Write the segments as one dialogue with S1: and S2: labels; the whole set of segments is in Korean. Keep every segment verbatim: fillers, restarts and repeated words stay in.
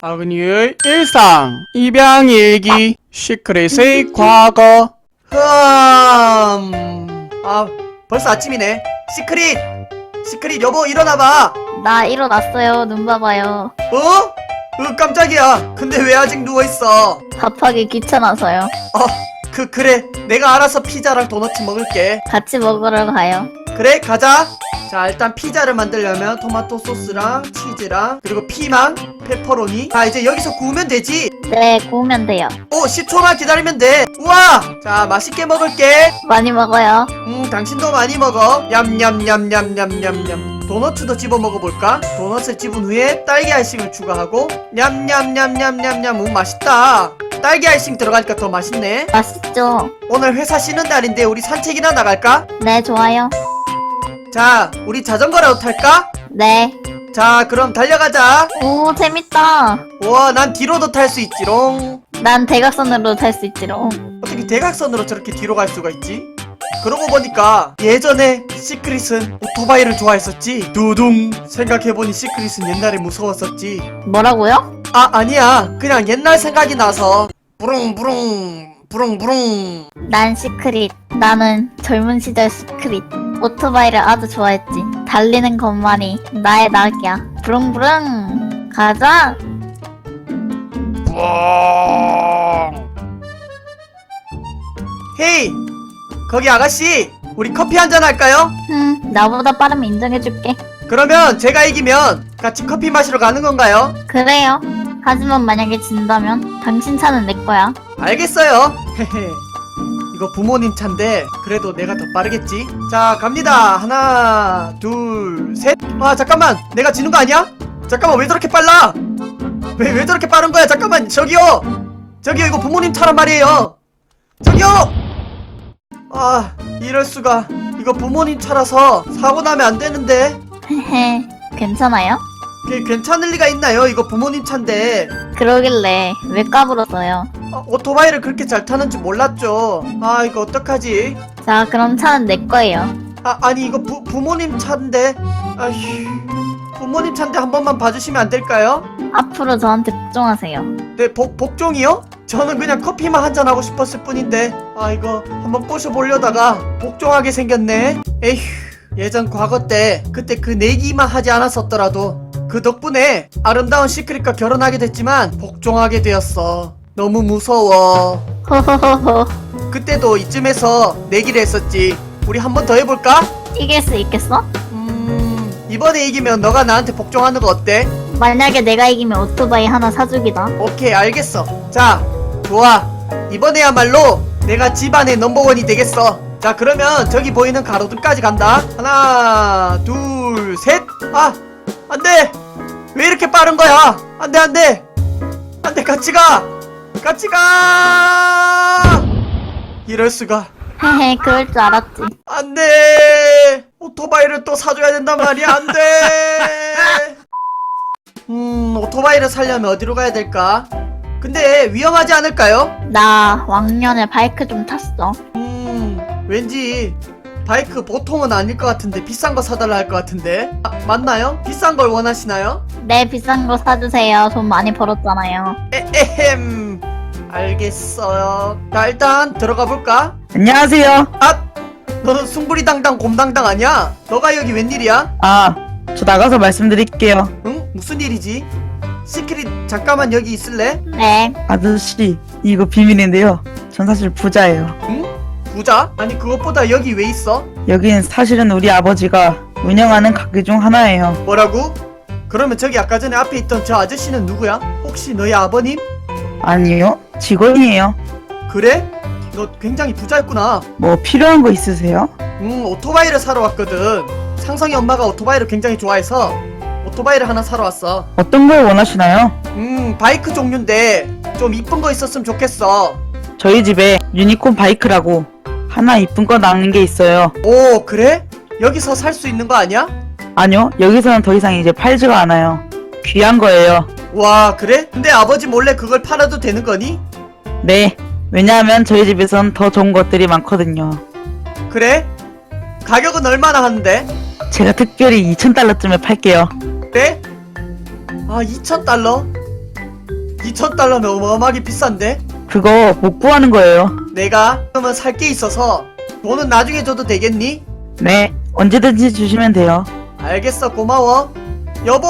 S1: 아그니의 일상, 입양일기, 시크릿의 과거.
S2: 흠... 아 벌써 아침이네. 시크릿! 시크릿 여보 일어나봐.
S3: 나 일어났어요. 눈 봐봐요.
S2: 어? 으 깜짝이야. 근데 왜 아직 누워있어?
S3: 밥하기 귀찮아서요.
S2: 어 그 그래 내가 알아서 피자랑 도넛 먹을게.
S3: 같이 먹으러 가요.
S2: 그래 가자. 자 일단 피자를 만들려면 토마토 소스랑 치즈랑 그리고 피망, 페퍼로니. 아 이제 여기서 구우면 되지.
S3: 네, 구우면 돼요.
S2: 오 십 초만 기다리면 돼. 우와 자 맛있게 먹을게.
S3: 많이 먹어요.
S2: 음 당신도 많이 먹어. 냠냠냠냠냠냠냠. 도너츠도 집어 먹어볼까? 도넛을 집은 후에 딸기 아이싱을 추가하고 냠냠냠냠냠냠. 음 맛있다. 딸기 아이싱 들어가니까 더 맛있네.
S3: 맛있죠?
S2: 오늘 회사 쉬는 날인데 우리 산책이나 나갈까?
S3: 네, 좋아요.
S2: 자 우리 자전거라도 탈까?
S3: 네.
S2: 자 그럼 달려가자.
S3: 오, 재밌다.
S2: 우와 난 뒤로도 탈 수 있지롱.
S3: 난 대각선으로 탈 수 있지롱.
S2: 어떻게 대각선으로 저렇게 뒤로 갈 수가 있지? 그러고 보니까 예전에 시크릿은 오토바이를 좋아했었지. 두둥. 생각해보니 시크릿은 옛날에 무서웠었지.
S3: 뭐라고요?
S2: 아 아니야 그냥 옛날 생각이 나서. 부릉부릉 부릉부릉.
S3: 난 시크릿. 나는 젊은 시절 시크릿. 오토바이를 아주 좋아했지. 달리는 것만이 나의 낙이야. 부릉부릉. 가자.
S2: 헤이 거기 아가씨 우리 커피 한잔 할까요?
S3: 흠, 나보다 빠르면 인정해줄게.
S2: 그러면 제가 이기면 같이 커피 마시러 가는 건가요?
S3: 그래요. 하지만 만약에 진다면 당신 차는 내 거야.
S2: 알겠어요. 헤헤. 이거 부모님 차인데 그래도 내가 더 빠르겠지. 자 갑니다. 하나 둘 셋. 아 잠깐만 내가 지는 거 아니야? 잠깐만 왜 저렇게 빨라? 왜 왜 저렇게 빠른 거야? 잠깐만 저기요 저기요 이거 부모님 차란 말이에요. 저기요. 아 이럴 수가. 이거 부모님 차라서 사고 나면 안 되는데.
S3: 헤헤, 괜찮아요?
S2: 그게 괜찮을 리가 있나요? 이거 부모님 차인데.
S3: 그러길래 왜 까불었어요?
S2: 아, 오토바이를 그렇게 잘 타는지 몰랐죠. 아 이거 어떡하지?
S3: 자, 그럼 차는 내 거예요.
S2: 아 아니 이거 부, 부모님 차인데. 아휴 부모님 차인데 한 번만 봐주시면 안 될까요?
S3: 앞으로 저한테 복종하세요.
S2: 네 복, 복종이요? 저는 그냥 커피만 한잔 하고 싶었을 뿐인데. 아 이거 한번 꼬셔보려다가 복종하게 생겼네. 에휴 예전 과거 때 그때 그 내기만 하지 않았었더라도 그 덕분에 아름다운 시크릿과 결혼하게 됐지만 복종하게 되었어. 너무 무서워.
S3: 호호호호.
S2: 그때도 이쯤에서 내기를 했었지. 우리 한 번 더 해볼까?
S3: 이길 수 있겠어?
S2: 음... 이번에 이기면 너가 나한테 복종하는 거 어때?
S3: 만약에 내가 이기면 오토바이 하나 사주기다.
S2: 오케이 알겠어. 자 좋아. 이번에야말로 내가 집안의 넘버원이 되겠어. 자 그러면 저기 보이는 가로등까지 간다. 하나 둘 셋. 아 안돼. 왜 이렇게 빠른 거야? 안돼 안돼 안돼 같이 가 같이 가. 이럴 수가.
S3: 헤헤, 그럴 줄 알았지.
S2: 안돼. 오토바이를 또 사줘야 된단 말이야. 안돼. 음 오토바이를 사려면 어디로 가야 될까? 근데 위험하지 않을까요?
S3: 나 왕년에 바이크 좀 탔어.
S2: 음 왠지 바이크 보통은 아닐 것 같은데 비싼 거 사달라 할 것 같은데. 아, 맞나요? 비싼 걸 원하시나요?
S3: 네, 비싼 거 사주세요. 돈 많이 벌었잖아요.
S2: 에헴 알겠어요. 자 일단 들어가 볼까?
S4: 안녕하세요.
S2: 아 너는 숭구리당당 곰당당 아니야? 너가 여기 웬일이야?
S4: 아, 저 나가서 말씀드릴게요.
S2: 응? 무슨 일이지? 시크릿 잠깐만 여기 있을래?
S3: 네.
S4: 아저씨, 이거 비밀인데요. 전 사실 부자예요.
S2: 응? 부자? 아니 그것보다 여기 왜 있어?
S4: 여긴 사실은 우리 아버지가 운영하는 가게 중 하나예요.
S2: 뭐라고? 그러면 저기 아까 전에 앞에 있던 저 아저씨는 누구야? 혹시 너희 아버님?
S4: 아니요, 직원이에요.
S2: 그래? 너 굉장히 부자였구나.
S4: 뭐 필요한 거 있으세요?
S2: 음 오토바이를 사러 왔거든. 상성이 엄마가 오토바이를 굉장히 좋아해서 오토바이를 하나 사러 왔어.
S4: 어떤 걸 원하시나요?
S2: 음 바이크 종류인데 좀 이쁜 거 있었으면 좋겠어.
S4: 저희 집에 유니콘 바이크라고 하나 이쁜 거 나오는 게 있어요.
S2: 오 그래? 여기서 살 수 있는 거 아니야?
S4: 아니요, 여기서는 더 이상 이제 팔지가 않아요. 귀한 거예요.
S2: 와 그래? 근데 아버지 몰래 그걸 팔아도 되는 거니?
S4: 네, 왜냐하면 저희 집에선 더 좋은 것들이 많거든요.
S2: 그래? 가격은 얼마나 하는데?
S4: 제가 특별히 이천 달러쯤에 팔게요.
S2: 그래? 아 이천 달러? 이천 달러면 어마어마하게 비싼데?
S4: 그거 못 구하는 거예요.
S2: 내가 그러면 살 게 있어서 돈은 나중에 줘도 되겠니?
S4: 네, 언제든지 주시면 돼요.
S2: 알겠어, 고마워. 여보!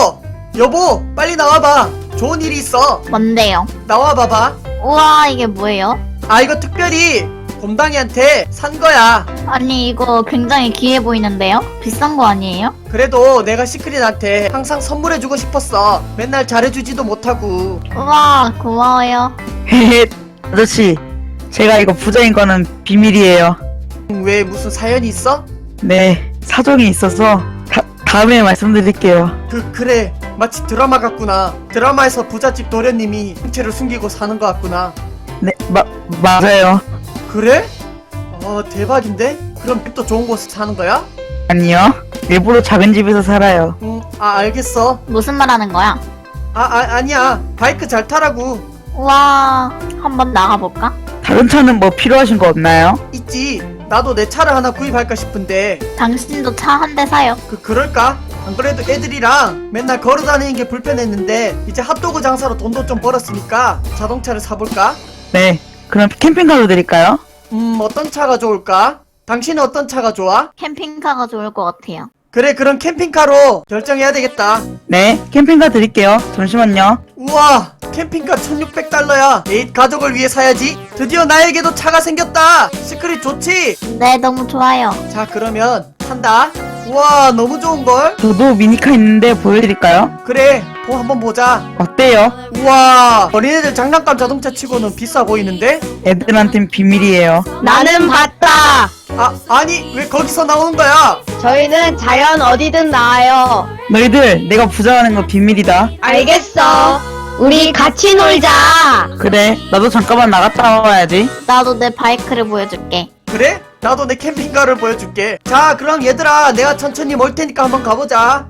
S2: 여보! 빨리 나와봐. 좋은 일이 있어.
S3: 뭔데요?
S2: 나와봐봐.
S3: 우와, 이게 뭐예요?
S2: 아, 이거 특별히 곰당이한테 산 거야.
S3: 아니, 이거 굉장히 귀해 보이는데요? 비싼 거 아니에요?
S2: 그래도 내가 시크릿한테 항상 선물해주고 싶었어. 맨날 잘해주지도 못하고.
S3: 우와, 고마워요.
S4: 헤헤, 아저씨, 제가 이거 부자인 거는 비밀이에요.
S2: 음, 왜 무슨 사연이 있어?
S4: 네, 사정이 있어서 다, 다음에 말씀드릴게요.
S2: 그 그래, 마치 드라마 같구나. 드라마에서 부잣집 도련님이 형체를 숨기고 사는 것 같구나.
S4: 네, 마, 맞아요.
S2: 그래? 어, 대박인데? 그럼 또 좋은 곳에 사는 거야?
S4: 아니요, 일부러 작은 집에서 살아요.
S2: 응, 아, 알겠어.
S3: 무슨 말 하는 거야?
S2: 아, 아 아니야. 바이크 잘 타라고.
S3: 우와, 한번 나가볼까?
S4: 다른 차는 뭐 필요하신 거 없나요?
S2: 있지. 나도 내 차를 하나 구입할까 싶은데.
S3: 당신도 차 한 대 사요.
S2: 그 그럴까? 안 그래도 애들이랑 맨날 걸어 다니는 게 불편했는데 이제 핫도그 장사로 돈도 좀 벌었으니까 자동차를 사볼까?
S4: 네, 그럼 캠핑카로 드릴까요?
S2: 음, 어떤 차가 좋을까? 당신은 어떤 차가 좋아?
S3: 캠핑카가 좋을 것 같아요.
S2: 그래, 그럼 캠핑카로 결정해야 되겠다.
S4: 네, 캠핑카 드릴게요. 잠시만요.
S2: 우와, 캠핑카 천육백 달러야. 에잇, 가족을 위해 사야지. 드디어 나에게도 차가 생겼다. 시크릿 좋지?
S3: 네, 너무 좋아요.
S2: 자, 그러면 산다. 우와, 너무 좋은걸?
S4: 저도 미니카 있는데 보여드릴까요?
S2: 그래, 보 한번 보자.
S4: 어때요?
S2: 우와, 어린애들 장난감 자동차 치고는 비싸 보이는데?
S4: 애들한텐 비밀이에요.
S5: 나는 봤다.
S2: 아, 아니, 왜 거기서 나오는 거야?
S5: 저희는 자연 어디든 나와요.
S4: 너희들, 내가 부자라는 거 비밀이다.
S5: 알겠어. 우리 같이 놀자.
S4: 그래, 나도 잠깐만 나갔다 와야지.
S3: 나도 내 바이크를 보여줄게.
S2: 그래? 나도 내 캠핑카를 보여줄게. 자, 그럼 얘들아, 내가 천천히 몰 테니까 한번 가보자.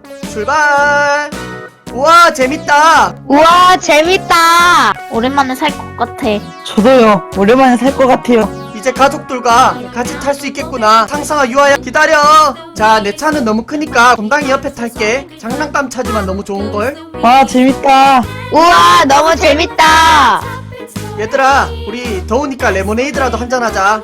S2: 출발! 우와, 재밌다.
S5: 우와, 재밌다.
S3: 오랜만에 살 것 같아.
S4: 저도요, 오랜만에 살 것 같아요.
S2: 이제 가족들과 같이 탈 수 있겠구나. 상상아, 유아야, 기다려. 자, 내 차는 너무 크니까 곰당이 옆에 탈게. 장난감 차지만 너무 좋은걸?
S4: 와, 재밌다.
S5: 우와, 너무 재밌다.
S2: 얘들아, 우리 더우니까 레모네이드라도 한잔하자.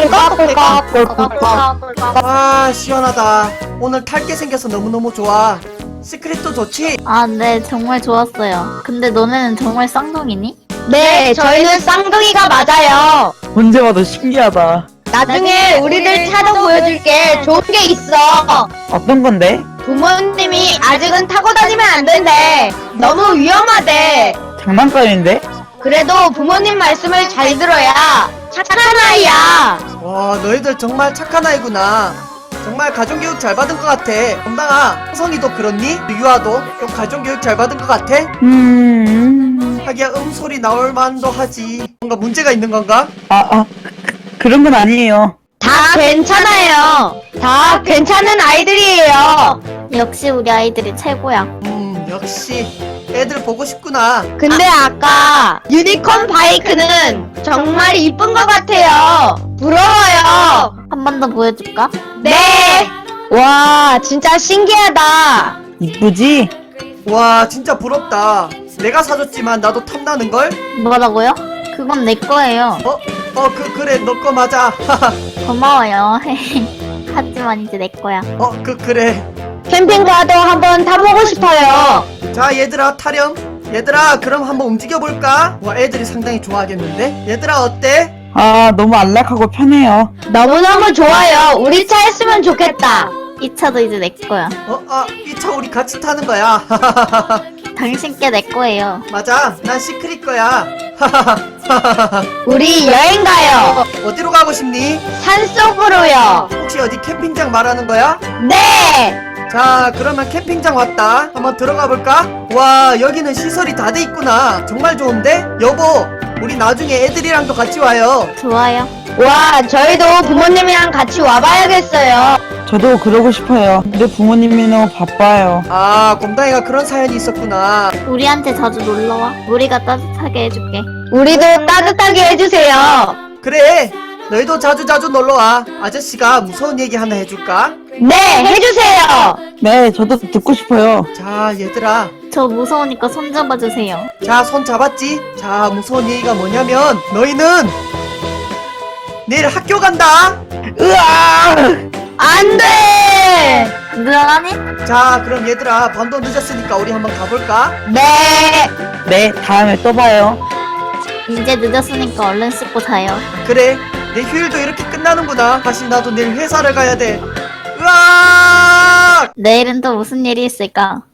S2: 아, 시원하다. 오늘 탈 게 생겨서 너무너무 좋아. 시크릿도 좋지?
S3: 아, 네, 정말 좋았어요. 근데 너네는 정말 쌍둥이니?
S5: 네, 저희는 쌍둥이가 맞아요.
S4: 언제 봐도 신기하다.
S5: 나중에 우리들 차도 보여줄게. 좋은 게 있어.
S4: 어떤 건데?
S5: 부모님이 아직은 타고 다니면 안 된대. 너무 위험하대.
S4: 장난감인데?
S5: 그래도 부모님 말씀을 잘 들어야 착한 아이야.
S2: 와, 너희들 정말 착한 아이구나. 정말 가정교육 잘 받은 것 같아. 곰당아, 성성이도 그렇니? 유아도 좀 가정교육 잘 받은 것 같아?
S4: 음,
S2: 하기야 음소리 나올 만도 하지. 뭔가 문제가 있는 건가?
S4: 아, 아, 그, 그런 건 아니에요.
S5: 다 괜찮아요. 다 괜찮은 아이들이에요.
S3: 역시 우리 아이들이 최고야.
S2: 음, 역시 애들 보고 싶구나.
S5: 근데 아까 유니콘 바이크는 정말 이쁜 것 같아요. 부러워요.
S3: 한 번 더 보여줄까?
S5: 네. 와, 진짜 신기하다.
S4: 이쁘지?
S2: 와, 진짜 부럽다. 내가 사줬지만 나도 탐나는걸?
S3: 뭐라고요? 그건 내 거예요.
S2: 어? 어, 그, 그래, 너 거 맞아.
S3: 고마워요. 하지만 이제 내 거야.
S2: 어, 그, 그래.
S5: 캠핑카도 한번 타보고 싶어요.
S2: 자, 얘들아, 타렴. 얘들아, 그럼 한번 움직여볼까? 와, 애들이 상당히 좋아하겠는데? 얘들아, 어때?
S4: 아, 너무 안락하고 편해요.
S5: 너무너무 좋아요. 우리 차 했으면 좋겠다.
S3: 이 차도 이제 내 거야.
S2: 어, 아, 이 차 우리 같이 타는 거야.
S3: 당신께 내 거예요.
S2: 맞아, 난 시크릿 거야.
S5: 우리 여행 가요.
S2: 어디로 가고 싶니?
S5: 산속으로요.
S2: 혹시 어디 캠핑장 말하는 거야?
S5: 네.
S2: 자, 그러면 캠핑장 왔다. 한번 들어가 볼까? 와, 여기는 시설이 다 돼 있구나. 정말 좋은데? 여보, 우리 나중에 애들이랑도 같이 와요.
S3: 좋아요.
S5: 와, 저희도 부모님이랑 같이 와봐야겠어요.
S4: 저도 그러고 싶어요. 근데 부모님이 너무 바빠요.
S2: 아, 곰당이가 그런 사연이 있었구나.
S3: 우리한테 자주 놀러와. 우리가 따뜻하게 해줄게.
S5: 우리도 따뜻하게 해주세요.
S2: 그래, 너희도 자주자주 놀러와. 아저씨가 무서운 얘기 하나 해줄까?
S5: 네, 해주세요.
S4: 네, 저도 듣고 싶어요.
S2: 자, 얘들아,
S3: 저 무서우니까 손 잡아주세요.
S2: 자, 손 잡았지? 자, 무서운 얘기가 뭐냐면 너희는 내일 학교 간다.
S4: 으아!
S5: 안 돼!
S3: 늘어나니?
S2: 자, 그럼 얘들아, 밤도 늦었으니까 우리 한번 가볼까?
S5: 네.
S4: 네, 다음에 또 봐요.
S3: 이제 늦었으니까 얼른 씻고 자요.
S2: 그래, 내 휴일도 이렇게 끝나는구나. 다시 나도 내일 회사를 가야 돼. 으악!
S3: 내일은 또 무슨 일이 있을까?